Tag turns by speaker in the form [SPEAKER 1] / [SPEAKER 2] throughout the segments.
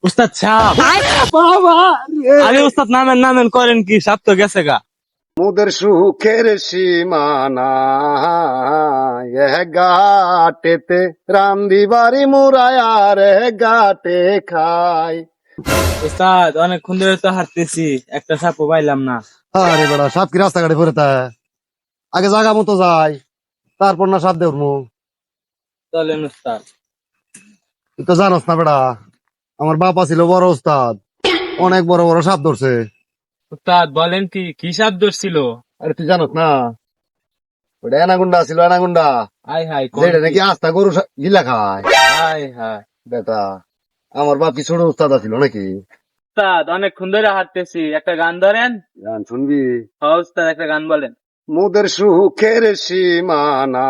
[SPEAKER 1] উস্তাদ সাপ। আরে উস্তাদ নামেন নামেন করেন কি, সাপ তো গেছে গা।
[SPEAKER 2] মোদের সুখের সীমানা ঘাটেতে রান্দি বাড়ি মুরায়ার ঘাটে খাই।
[SPEAKER 1] উস্তাদ অনেকক্ষণ ধরে তো হাঁটতেছি, একটা সাপও পাইলাম না।
[SPEAKER 2] আরে বেড়া সাপ কি রাস্তাঘাটে পরে তা আগে জায়গা মতো যাই, তারপর না সাপ দেখবো।
[SPEAKER 1] চলেন উস্তাদ।
[SPEAKER 2] তুই তো জানোস না বেড়া, আমার বাবা ছিল বড় উস্তাদ, অনেক বড় বড় সাপ ধরছে।
[SPEAKER 1] উস্তাদ বলেন কি, কি সাপ ধরছিল?
[SPEAKER 2] আরে তুই জানোস না, ওটা এনাগুন্ডা ছিল, এনাগুন্ডা,
[SPEAKER 1] আয় হায় কোন
[SPEAKER 2] যেটা
[SPEAKER 1] কি?
[SPEAKER 2] নাকি আস্তা গরু গিলা খায়।
[SPEAKER 1] আয় হায়।
[SPEAKER 2] বেটা, আমার বাপ কি ছোট উস্তাদ ছিল নাকি?
[SPEAKER 1] উস্তাদ অনেকক্ষণ ধরে হাঁটতেছি, একটা গান ধরেন।
[SPEAKER 2] গান শুনবি?
[SPEAKER 1] হ্যাঁ উস্তাদ, একটা গান বলেন।
[SPEAKER 2] মোদের সুখের সীমানা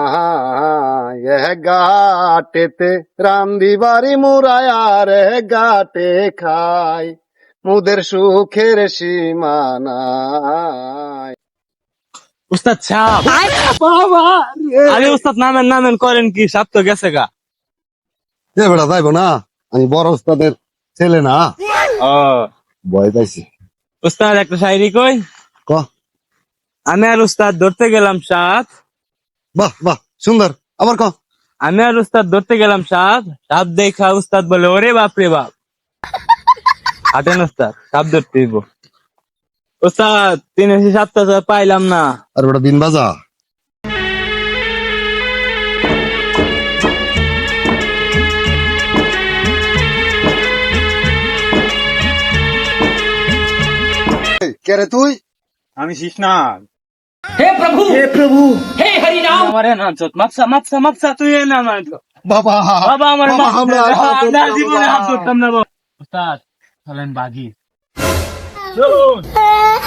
[SPEAKER 2] ঘাটেতে রান্দি বাড়ি মুরায়ার ঘাটে খাই। মোদের সুখের সীমানা।
[SPEAKER 1] উস্তাদ সাপ। আরে উস্তাদ নামেন নামেন করেন কি, সাপ তো গেছে গা।
[SPEAKER 2] এ বেটা যাইবো না, আমি বড় উস্তাদের ছেলে না,
[SPEAKER 1] ও
[SPEAKER 2] ভয় পাইছি।
[SPEAKER 1] উস্তাদ একটা শায়রি কই।
[SPEAKER 2] ক।
[SPEAKER 1] আমি আর উস্তাদ ধরতে গেলাম সাপ।
[SPEAKER 2] বাহ বাহ, সুন্দর, আবার ক।
[SPEAKER 1] আমি আর উস্তাদ ধরতে গেলাম সাপ, সাপ দেখা উস্তাদ বলে ওরে বাপ রে বাপ। হাঁটেন উস্তাদ, সাপ ধরতে দিব। উস্তাদ 307টা পাইলাম না।
[SPEAKER 2] আর বেটা দিন বাজা। কে রে তুই?
[SPEAKER 1] আমি শিশনাগ।
[SPEAKER 3] हे प्रभु
[SPEAKER 2] হে প্রভু।
[SPEAKER 3] हे हरि राम।
[SPEAKER 1] আমার না চোত মাপসা মাপসা মাপসা তুই না আমার।
[SPEAKER 2] বাবা
[SPEAKER 1] বাবা আমার
[SPEAKER 2] বাবা, আমরা আর হাত ধরবো
[SPEAKER 1] না,
[SPEAKER 2] না,
[SPEAKER 1] জীবনে
[SPEAKER 2] বাবা।
[SPEAKER 1] হাত ধরতাম না বাবা। উস্তাদ চলেন বাঘি। চলুন।